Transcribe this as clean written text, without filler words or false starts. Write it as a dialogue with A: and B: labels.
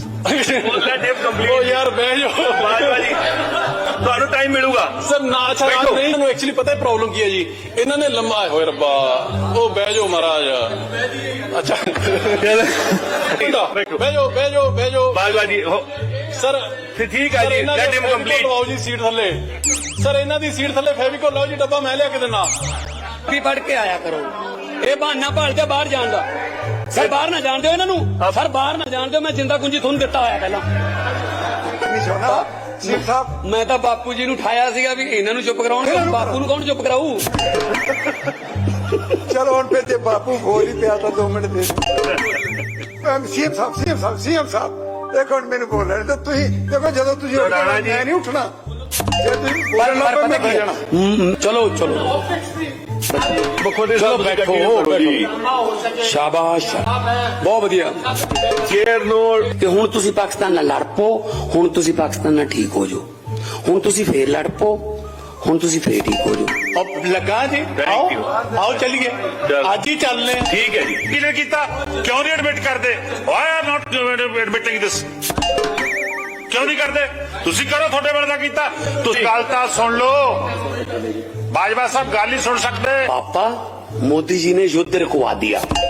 A: ਉਹ ਯਾਰ ਬਹਿ ਜਾਓ
B: ਬਾਜਵਾ ਜੀ ਤੁਹਾਨੂੰ ਟਾਈਮ ਮਿਲੂਗਾ
A: ਸਰ ਨਾ ਅੱਛਾ ਰਾਜ ਨਹੀਂ ਤੁਹਾਨੂੰ ਐਕਚੁਅਲੀ ਪਤਾ ਹੈ ਪ੍ਰੋਬਲਮ ਕੀ ਹੈ ਜੀ ਇਹਨਾਂ ਨੇ ਲੰਮਾ ਹੋਏ ਰੱਬਾ ਉਹ ਬਹਿ ਜਾਓ ਮਹਾਰਾਜ ਅੱਛਾ ਬਹਿ ਜਾਓ ਬਹਿ ਜਾਓ ਬਹਿ ਜਾਓ
B: ਬਾਜਵਾ ਜੀ
A: ਸਰ
B: ਠੀਕ ਹੈ ਜੀ ਲੈਟ ਹਿਮ ਕੰਪਲੀਟ
A: ਲਵਾਓ ਜੀ ਸੀਟ ਥੱਲੇ ਸਰ ਇਹਨਾਂ ਦੀ ਸੀਟ ਥੱਲੇ ਫੈਵੀਕੋਲ ਲਾਓ ਜੀ ਡੱਬਾ ਮੈਂ ਲਿਆ ਕੇ ਦਿੰਦਾ
C: ਵੀ ਪੜ ਕੇ ਆਇਆ ਕਰੋ ਇਹ ਬਹਾਨਾ ਭਾਲਦੇ ਬਾਹਰ ਜਾਣ ਦਾ ਸਰ ਬਾਹਰ ਨਾ ਜਾਣ ਦਿਓ ਇਹਨਾਂ ਨੂੰ ਸਰ ਬਾਹਰ ਨਾ ਜਾਣ ਦਿਓ ਮੈਂ ਜਿੰਦਾ ਕੁੰਜੀ ਤੁਹਾਨੂੰ ਦਿੱਤਾ ਹੋਇਆ ਪਹਿਲਾਂ ਮੈਂ ਤਾਂ ਬਾਪੂ ਜੀ ਨੂੰ ਉਠਾਇਆ ਸੀਗਾ ਵੀ ਇਹਨਾਂ ਨੂੰ ਚੁੱਪ ਕਰਾਉਣਗੇ ਬਾਪੂ ਨੂੰ ਕੌਣ ਚੁੱਪ ਕਰਾਊ
D: ਚਲੋ ਹੁਣ ਫਿਰ ਜੇ ਬਾਪੂ ਬੋਲ ਹੀ ਪਿਆ ਤਾਂ 2 ਮਿੰਟ ਦੇ ਸੀਐਮ ਸਾਹਿਬ ਦੇਖੋ ਹੁਣ ਮੈਨੂੰ ਬੋਲ ਰਹੇ ਤਾਂ ਤੁਸੀਂ ਦੇਖੋ ਜਦੋਂ ਤੁਸੀਂ ਉੱਠਣਾ ਮੈਂ ਨਹੀਂ ਉੱਠਣਾ ਜੇ ਤੁਸੀਂ ਬੋਲਣ ਲੱਗ ਪਏ ਮੈਂ ਬਹਿ ਜਾਣਾ
C: ਚਲੋ ਚਲੋ
B: ਬਖੋਦੇ
C: ਚਲੋ
B: ਸਾਹਿਬ
C: ਬੈਠੋ ਸ਼ਾਬਾਸ਼ ਬਹੁਤ ਵਧੀਆ
B: ਚੇਅਰ ਨੂੰ
C: ਤੇ ਹੁਣ ਤੁਸੀਂ ਪਾਕਿਸਤਾਨ ਨਾਲ ਲੜ ਪੋ ਹੁਣ ਤੁਸੀਂ ਪਾਕਿਸਤਾਨ ਨਾਲ ਠੀਕ ਹੋ ਜਾਓ ਹੁਣ ਤੁਸੀਂ ਫੇਰ ਲੜ ਪੋ ਹੁਣ ਤੁਸੀਂ ਫੇਰ ਠੀਕ ਹੋ ਜਾਓ
A: अब लगा जी आओ आओ चलिए आज ही चलने
B: ਠੀਕ ਹੈ ਜੀ
E: ਕਿਹਨੇ ਕੀਤਾ ਕਿਉਂ ਨਹੀਂ ਐਡਮਿਟ ਕਰਦੇ ਵਾਈ ਆਰ ਨਾਟ ਐਡਮਿਟਿੰਗ ਦਿਸ ਕਿਉਂ ਨਹੀਂ ਕਰਦੇ ਤੁਸੀਂ ਕਰੋ ਤੁਹਾਡੇ ਵੇਲੇ ਦਾ ਕੀਤਾ ਤੁਸੀਂ ਗੱਲ ਤਾਂ ਸੁਣ ਲਓ ਬਾਜਵਾ ਸਾਹਿਬ ਗੱਲ ਹੀ ਸੁਣ ਸਕਦੇ
C: पापा मोदी जी ने युद्ध रुकवा दिया